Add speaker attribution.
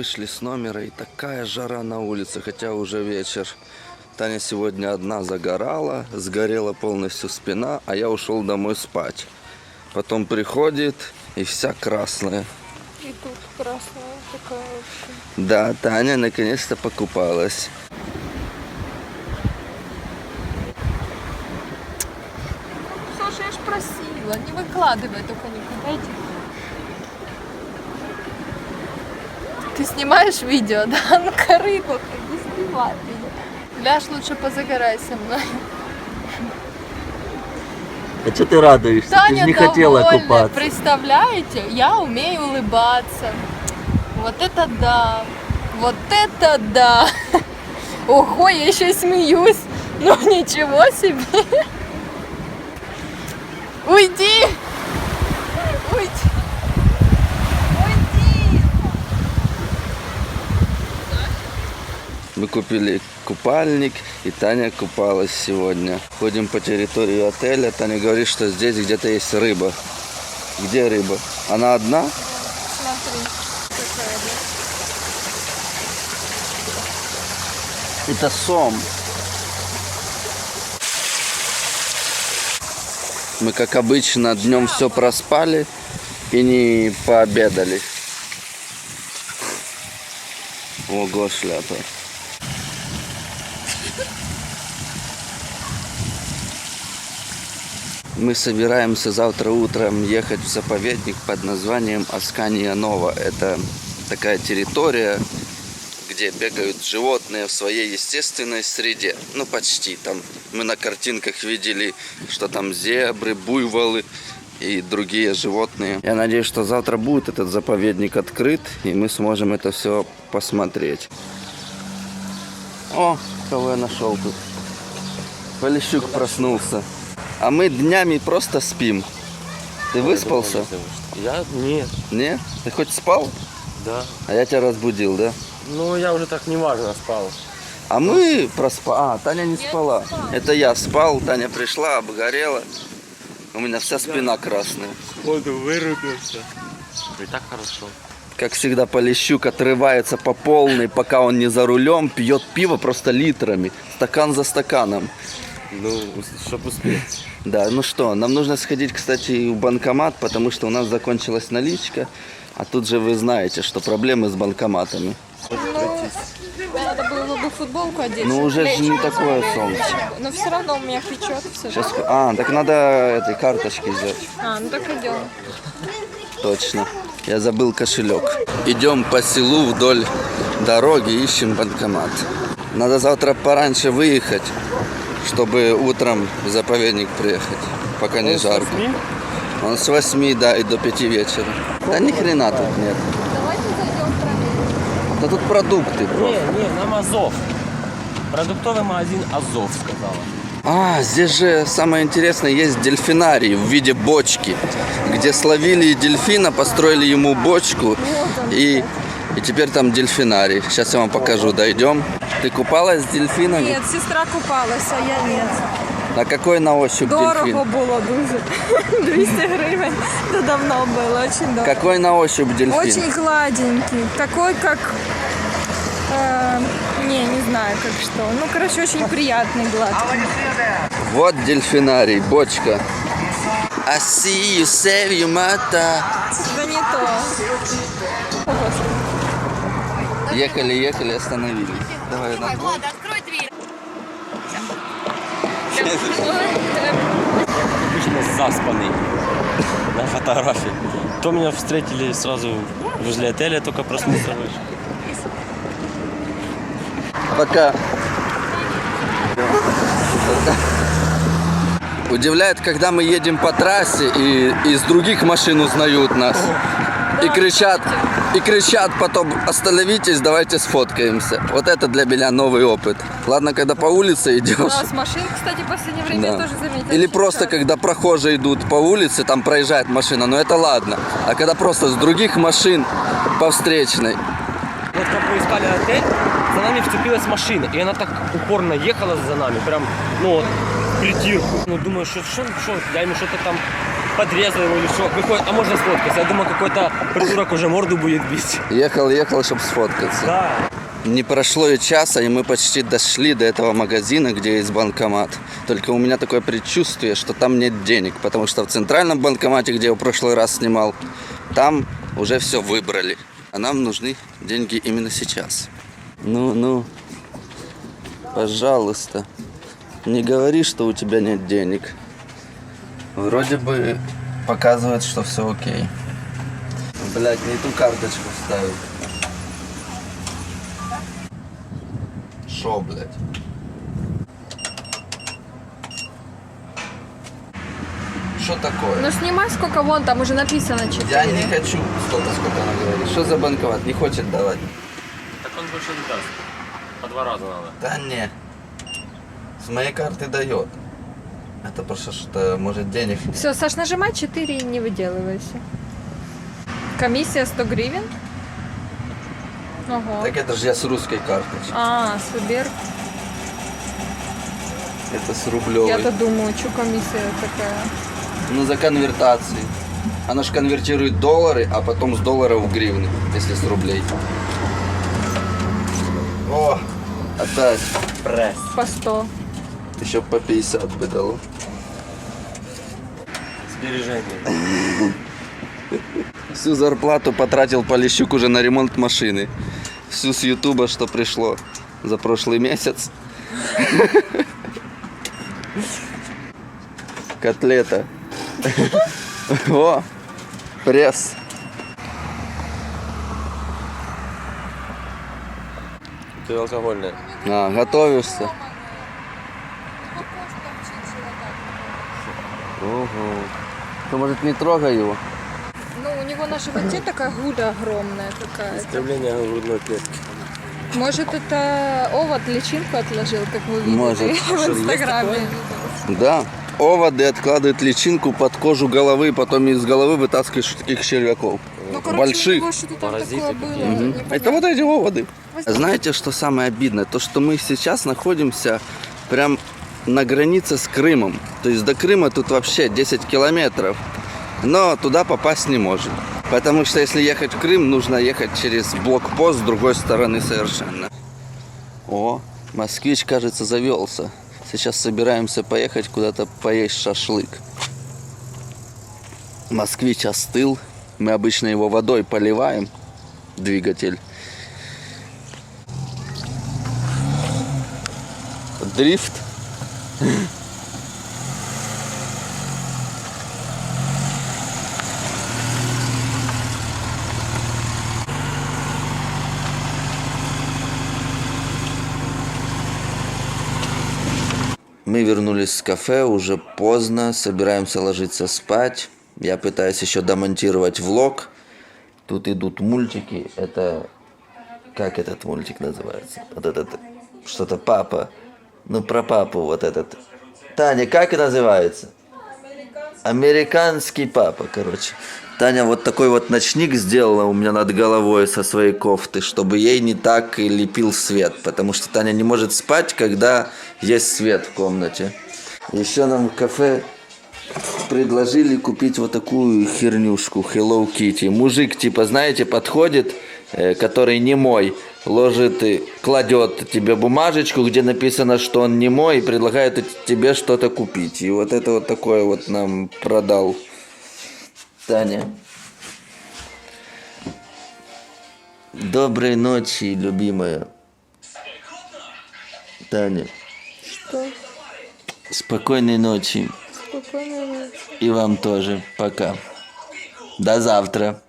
Speaker 1: вышли с номера, и такая жара на улице, хотя уже вечер. Таня сегодня одна загорала, сгорела полностью спина, а я ушел домой спать. Потом приходит, и вся красная.
Speaker 2: И тут красная такая вообще.
Speaker 1: Да, Таня наконец-то покупалась.
Speaker 2: Саша, я ж просила, не выкладывай только никуда. Иди. Ты снимаешь видео, да? Ну, корыто, не снимай меня. Ляж, лучше позагорай со мной.
Speaker 1: А что ты радуешься?
Speaker 2: Таня
Speaker 1: ты же не
Speaker 2: довольна,
Speaker 1: хотела купаться.
Speaker 2: представляете? Я умею улыбаться. Вот это да! Вот это да! Ого, я еще и смеюсь. Ну ничего себе! Уйди! Уйди! Уйди!
Speaker 1: Мы купили купальник, и Таня купалась сегодня. Ходим по территории отеля. Таня говорит, что здесь где-то есть рыба. Где рыба? Она одна?
Speaker 2: Смотри, какая, да?
Speaker 1: Это сом. Мы, как обычно, днем все проспали и не пообедали. Ого, шляпа. Мы собираемся завтра утром ехать в заповедник под названием Аскания Нова. Это такая территория, где бегают животные в своей естественной среде. Ну, почти. Там мы на картинках видели, что там зебры, буйволы и другие животные. Я надеюсь, что завтра будет этот заповедник открыт, и мы сможем это все посмотреть. О, кого я нашел тут. Полищук проснулся. А мы днями просто спим. Ты выспался?
Speaker 3: Я? Нет.
Speaker 1: Не? Ты хоть спал?
Speaker 3: Да.
Speaker 1: А я тебя разбудил, да?
Speaker 3: Ну, я уже так неважно спал.
Speaker 1: А мы проспали. А, Таня не спала. Это я спал, Таня пришла, обгорела. У меня вся спина красная.
Speaker 3: Воду вырубился. И так хорошо.
Speaker 1: Как всегда, Полищук отрывается по полной, пока он не за рулем, пьет пиво просто литрами, стакан за стаканом.
Speaker 3: Ну, чтобы успеть.
Speaker 1: Да, ну что, нам нужно сходить, кстати, в банкомат, потому что у нас закончилась наличка. А тут же вы знаете, что проблемы с банкоматами.
Speaker 2: Надо было бы футболку одеть.
Speaker 1: Ну уже же не
Speaker 2: лечь.
Speaker 1: такое солнце.
Speaker 2: Но все равно у меня печет все.
Speaker 1: Сейчас... А, так надо этой карточки взять.
Speaker 2: А, ну так идем.
Speaker 1: Точно. Я забыл кошелек. Идем по селу вдоль дороги, ищем банкомат. Надо завтра пораньше выехать, чтобы утром в заповедник приехать, пока не жарко. Он с 8, да, и до 5 вечера. Да ни хрена тут нет.
Speaker 2: Давайте зайдем проверим.
Speaker 1: Да тут продукты просто.
Speaker 3: Не, нам Азов. Продуктовый магазин Азов, сказала.
Speaker 1: А, здесь же самое интересное, есть дельфинарий в виде бочки, где словили дельфина, построили ему бочку, и теперь там дельфинарий. Сейчас я вам покажу, дойдем. Ты купалась с дельфинами?
Speaker 2: Нет, сестра купалась, а я нет.
Speaker 1: А какой на ощупь
Speaker 2: Дорого
Speaker 1: дельфин?
Speaker 2: було дуже. 200 гривен. Это давно было, очень дорого.
Speaker 1: Какой на ощупь дельфин?
Speaker 2: Очень гладенький. Такой, как... не знаю, как что. Ну, короче, очень приятный, гладкий.
Speaker 1: Вот дельфинарий, бочка. I see you save your mother.
Speaker 2: Да не то.
Speaker 1: Ехали, остановились. Давай, на.
Speaker 4: Влада, открой дверь.
Speaker 3: Обычно заспанный на фотографии. То меня встретили сразу возле отеля, только проснулся.
Speaker 1: Пока. Удивляет, когда мы едем по трассе, и из других машин узнают нас. И кричат потом: остановитесь, давайте сфоткаемся. Вот это для меня новый опыт. Ладно, когда по улице
Speaker 2: У
Speaker 1: идешь.
Speaker 2: нас машин, кстати, в последнее время я
Speaker 1: Да.
Speaker 2: тоже заметила.
Speaker 1: Или
Speaker 2: очень
Speaker 1: просто
Speaker 2: часто.
Speaker 1: когда прохожие идут по улице, там проезжает машина, но это ладно. А когда просто с других машин по встречной.
Speaker 3: Вот как мы искали отель, за нами вцепилась машина, и она так упорно ехала за нами, прям, ну вот, в притирку. Ну, думаю, что, я ему что-то там подрезал его или что. Выходит, а можно сфоткаться? Я думал, какой-то придурок уже морду будет бить.
Speaker 1: Ехал, чтобы сфоткаться.
Speaker 3: Да.
Speaker 1: Не прошло и часа, и мы почти дошли до этого магазина, где есть банкомат. Только у меня такое предчувствие, что там нет денег, потому что в центральном банкомате, где я в прошлый раз снимал, там уже все выбрали. А нам нужны деньги именно сейчас. Ну, пожалуйста, не говори, что у тебя нет денег. Вроде бы показывает, что все окей. Блядь, не ту карточку вставил. Шо, блядь? Что такое?
Speaker 2: Ну снимай сколько вон, там уже написано 4.
Speaker 1: Я не хочу столько, сколько она говорит. Что за банкомат? Не хочет давать.
Speaker 3: Так он больше не даст. По 2 раза надо.
Speaker 1: Да не. С моей карты дает. Это просто что, может, денег нет.
Speaker 2: Все, Саш, нажимай 4 и не выделывайся. Комиссия 100 гривен? Ого.
Speaker 1: Так это же я с русской карточки.
Speaker 2: А, Сбер.
Speaker 1: Это с рублевой.
Speaker 2: Я-то думаю, что комиссия такая.
Speaker 1: Ну, за конвертацией. Она же конвертирует доллары, а потом с долларов в гривны, если с рублей. О, опять.
Speaker 3: Пресс.
Speaker 2: По 100.
Speaker 1: Еще по 50 бы дало.
Speaker 3: Сбережения.
Speaker 1: Всю зарплату потратил Полищук уже на ремонт машины. Всю с Ютуба, что пришло за прошлый месяц. Котлета. О, пресс.
Speaker 3: Ты алкогольная.
Speaker 1: А, готовишься? Ого. Ты, может, не трогай его?
Speaker 2: Ну, у него на животе такая гуда огромная какая-то.
Speaker 3: Искривление грудной клетки.
Speaker 2: Может, это овод личинку отложил, как вы видели
Speaker 1: Может.
Speaker 2: в Инстаграме.
Speaker 1: Да. Оводы откладывают личинку под кожу головы, потом из головы вытаскиваешь таких червяков.
Speaker 2: Ну, короче,
Speaker 1: Больших.
Speaker 2: у него что-то там
Speaker 3: Паразиты
Speaker 2: такое было.
Speaker 3: какие-то.
Speaker 2: непонятно.
Speaker 1: Это вот эти оводы. Знаете, что самое обидное? То, что мы сейчас находимся прям на границе с Крымом. То есть до Крыма тут вообще 10 километров. Но туда попасть не можем. Потому что если ехать в Крым, нужно ехать через блокпост с другой стороны совершенно. О, москвич, кажется, завелся. Сейчас собираемся поехать куда-то поесть шашлык. Москвич остыл. Мы обычно его водой поливаем, двигатель. Дрифт. Мы вернулись с кафе, уже поздно, собираемся ложиться спать. Я пытаюсь еще домонтировать влог. Тут идут мультики. Это... Как этот мультик называется? Вот этот... Что-то папа. Ну, про папу вот этот. Таня, как называется? Американский папа, короче. Таня вот такой вот ночник сделала у меня над головой со своей кофты, чтобы ей не так и лепил свет. Потому что Таня не может спать, когда есть свет в комнате. Еще нам в кафе предложили купить вот такую хернюшку Hello Kitty. Мужик, типа, знаете, подходит, который не мой, ложит и кладет тебе бумажечку, где написано, что он не мой, и предлагает тебе что-то купить. И вот это вот такое вот нам продал Таня. Доброй ночи, любимая. Таня.
Speaker 2: Что?
Speaker 1: Спокойной ночи.
Speaker 2: Спокойной ночи.
Speaker 1: И вам тоже. Пока. До завтра.